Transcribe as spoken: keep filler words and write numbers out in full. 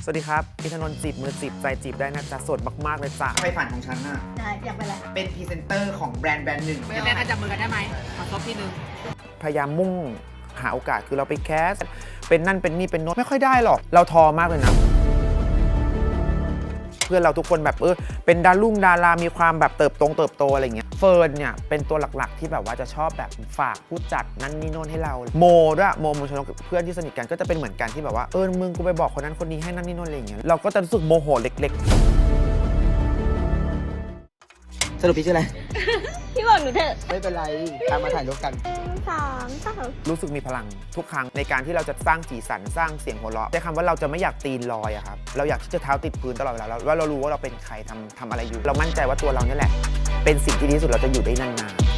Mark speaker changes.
Speaker 1: วัสดีครับอินทนนท์จีบมือจีบใจจีบได้นะจ๊ะสดมากๆเลยจ้ะ
Speaker 2: ไฟฝันของฉันน่ะ
Speaker 3: ใช่อยากไปอะไร
Speaker 2: เป็นพรีเซนเตอร์ของแบรนด์แบรนด์หนึ่ง
Speaker 4: ไม่ได้จับมือกันได้ไหมขอซบที่นึง
Speaker 1: พยายามมุ่งหาโอกาสคือเราไปแคสเป็นนั่นเป็นนี่เป็นโน้ตไม่ค่อยได้หรอกเราทอมากเลยนะเพื่อนเราทุกคนแบบเออเป็นดารุ่งดารามีความแบบเติบโตเติบโตอะไรเงี้ยเฟิร์นเนี่ยเป็นตัวหลักๆที่แบบว่าจะชอบแบบฝากผู้จัดนั่นนี่โน่นให้เราโมด้วยโมมชนกเพื่อนที่สนิทกันก็จะเป็นเหมือนกันที่แบบว่าเออมึงกูไปบอกคนนั้นคนนี้ให้นั่นนี่โน่นอะไรเงี้ยเราก็จะรู้สึกโมโหเล็กๆ
Speaker 2: สรุปพี่ชื่ออะไร
Speaker 3: พี่บอกหนูเถอะ
Speaker 2: ไม่เป็นไรตามมาถ่ายรูปกัน
Speaker 3: สามสาม
Speaker 1: รู้สึกมีพลังทุกครั้งในการที่เราจะสร้างสีสันสร้างเสียงหัวเราะใช้คำว่าเราจะไม่อยากตีนลอยอะครับเราอยากที่จะเท้าติดพื้นตลอดเวลาแล้วว่าเรารู้ว่าเราเป็นใครทำทำอะไรอยู่ เรามั่นใจว่าตัวเราเนี่ยแหละ เป็นสิ่งที่ดีที่สุดเราจะอยู่ได้นานๆ